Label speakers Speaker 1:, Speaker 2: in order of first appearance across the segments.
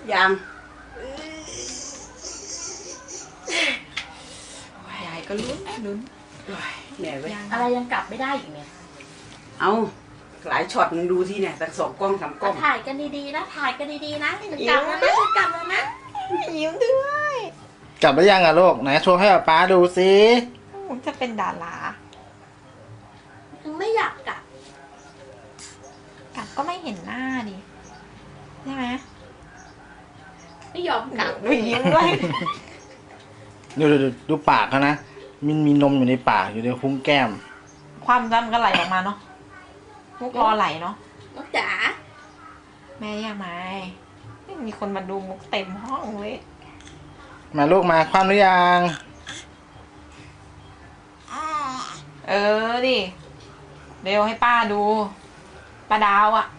Speaker 1: ยัง
Speaker 2: ยายก็ลุ้น
Speaker 1: เหนื่อยเว้ย
Speaker 3: อะไรยังกลับไม่ได้อีกเนี่ย
Speaker 1: เอาหลายช็อตมึงดูที่เนี่ยตั้ง2 กล้อง 3 กล้อง
Speaker 3: ถ่ายกันดีๆนะถ่ายกันดีๆนะกลับแล้วนะกลับแล้วนะ
Speaker 2: ยิ้มด้วย
Speaker 4: กลับไปยังอะลูกไหนโชว์ให้ป๊าดูสิ
Speaker 2: จะเป็นดารา
Speaker 3: ไม่อยากกลับ
Speaker 2: ก็ไม่เห็นหน้าดิใช่ไหม
Speaker 3: ไม่ยอมกลับ
Speaker 2: ดูยิ้มด้วย
Speaker 4: ดูปากเขานะมีนมอยู่ในปากอยู่ในคุ้งแก้ม
Speaker 2: ความจำก็ไหลออกมาเนาะมุกรอไหลเนาะ
Speaker 3: มุกจ๋า
Speaker 2: แม่ยังไงมีคนมาดูมุกเต็มห้องเลย
Speaker 4: มาลูกมาความหรือยัง
Speaker 2: ดิเร็วให้ป้าดูป้าดาวอ่ะ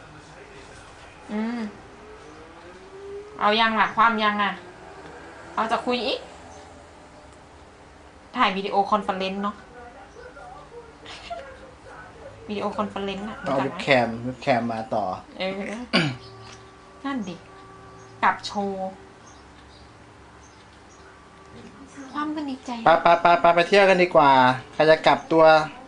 Speaker 2: เอายังล่ะความยังอ่ะเอาจะคุยอีกถ่ายวิดีโอคอนเฟอเรนซ์เนาะวิดีโอคอนเฟอเรนซ์อ่ะ
Speaker 4: เอาเว็บแคมมาต่อ
Speaker 2: นั่นดิกับโชว์ความกันดีใจ
Speaker 4: ไปเที่ยวกันดีกว่าใครจะกลับตัว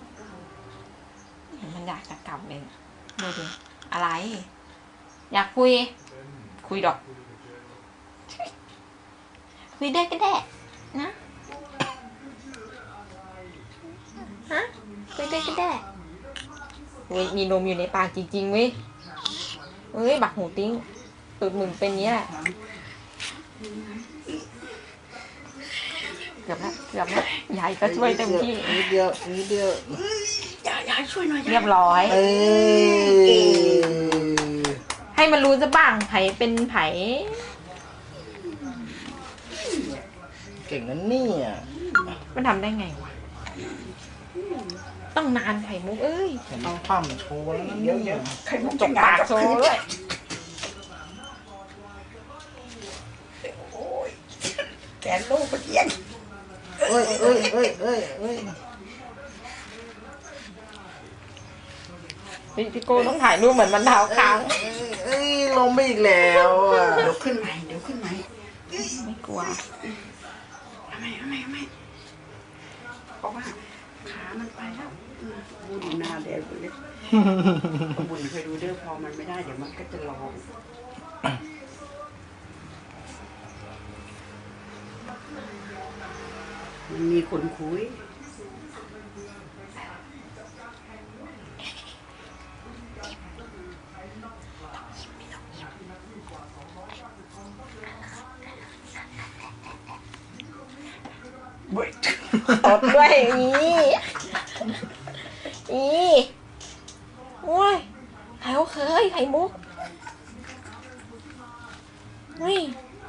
Speaker 2: มันอยากจะกลับเลยดูดิอะไรอยากคุยดอกคุยได้ก็ได้นะฮะคุยได้ก็ได้เฮ้ยมีนมอยู่ในปากจริงๆเว้ยเฮ้ยบักหูติ้งตูดมึงเป็นเนี้ยแหละเกือบแล้วยายก็ช่วยเต็มที่
Speaker 4: นิดเดีย
Speaker 1: ยายช่วยหน่อย
Speaker 2: เรียบร้อยให้มันรู้จะบ้างไผเป็นไผ
Speaker 4: เก่งนั่นนี่
Speaker 2: มันทำได้ไงวะต้องนานไข่มุกเอ้ย
Speaker 4: เอาความโชว์แล้วนี่
Speaker 1: ไข่มุก
Speaker 2: จกปากโชว์ด้วย
Speaker 1: แกนลูกไปเอียง
Speaker 4: เอ้ย
Speaker 2: พี่โก้ต้องถ่ายรูปเหมือนมันเท้าค้าง
Speaker 4: ลงไปอีกแล้ว
Speaker 1: เดี๋ยวขึ้นใหม่
Speaker 2: ไม่กลัว
Speaker 1: ทำไมเพราะว่าขามันไปแล้วบุญหน้าแดงเลยบุญเคยดูเด้อพอมันไม่ได้เดี๋ยวมันก็จะร้องมันมีคนคุย
Speaker 2: ตดด้วยโอ้ยไข่มุกเฮ้ย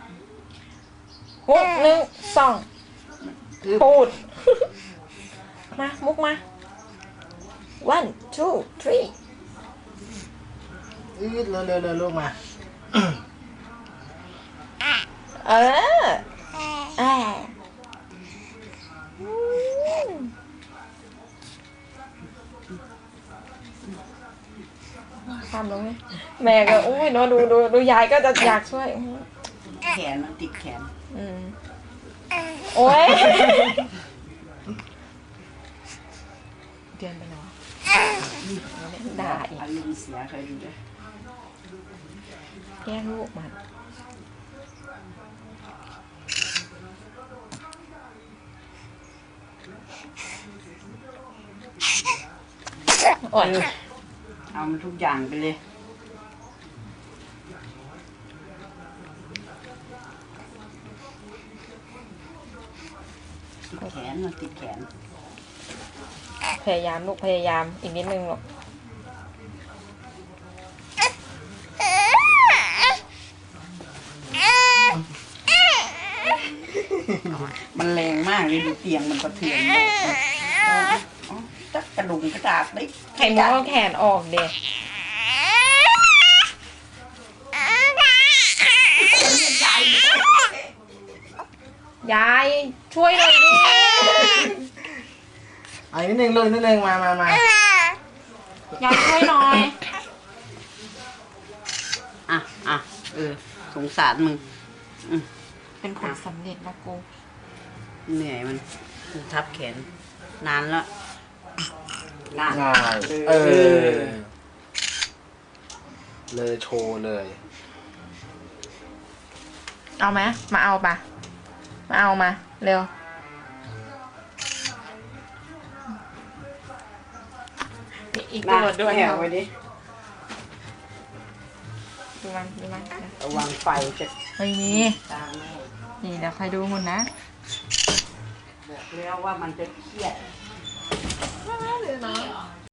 Speaker 2: 6 1 2พูดมามุกมา 1 2 3
Speaker 4: เร็วลูกมา
Speaker 2: ทำลงไหมแม่ก็อุ้ยเนาะดูยายก็จะอยากช่วย
Speaker 1: แขนมันติดแขน
Speaker 2: โอ้ยเดือนไปเนาะด่าอีก
Speaker 1: อารมณ์เสียเคยดูด้วย
Speaker 2: แย่งลูกมันโอ้ย
Speaker 1: เอามันทุกอย่างไปเลยติดแขนมันติดแขน
Speaker 2: พยายามลูกพยายามอีกนิดนึงหรอก
Speaker 1: มันแรงมากเลยดูเตียงมันกระเทือนจักกระดุมกระดาษเลย
Speaker 2: ไข่มุกเอาแขนออกเด็กยายช่วยหน่อยดิ
Speaker 4: นิดนึงลูกนิดนึงมาย
Speaker 2: ายช่วยหน่อย
Speaker 1: สสงสารมึง
Speaker 2: เป็นผลสำเร็จนะกู
Speaker 1: เหนื่อยมันทับแขน นานแล้วนาน
Speaker 4: ง่ายเลยโชว์เลย
Speaker 2: เอาไหมมาเอาปะมาเอามา เร็ว อีก
Speaker 1: มา
Speaker 2: ตัวด้วย
Speaker 1: แหวไว้ดิ
Speaker 2: ดูมันดูมัน
Speaker 1: ระวังไฟจะ
Speaker 2: เฮ้ยนี่
Speaker 1: ตามแม่
Speaker 2: นี่เดี๋ยวใครดูหุ่นนะ
Speaker 1: บอกแล้วว่ามันจะเครียด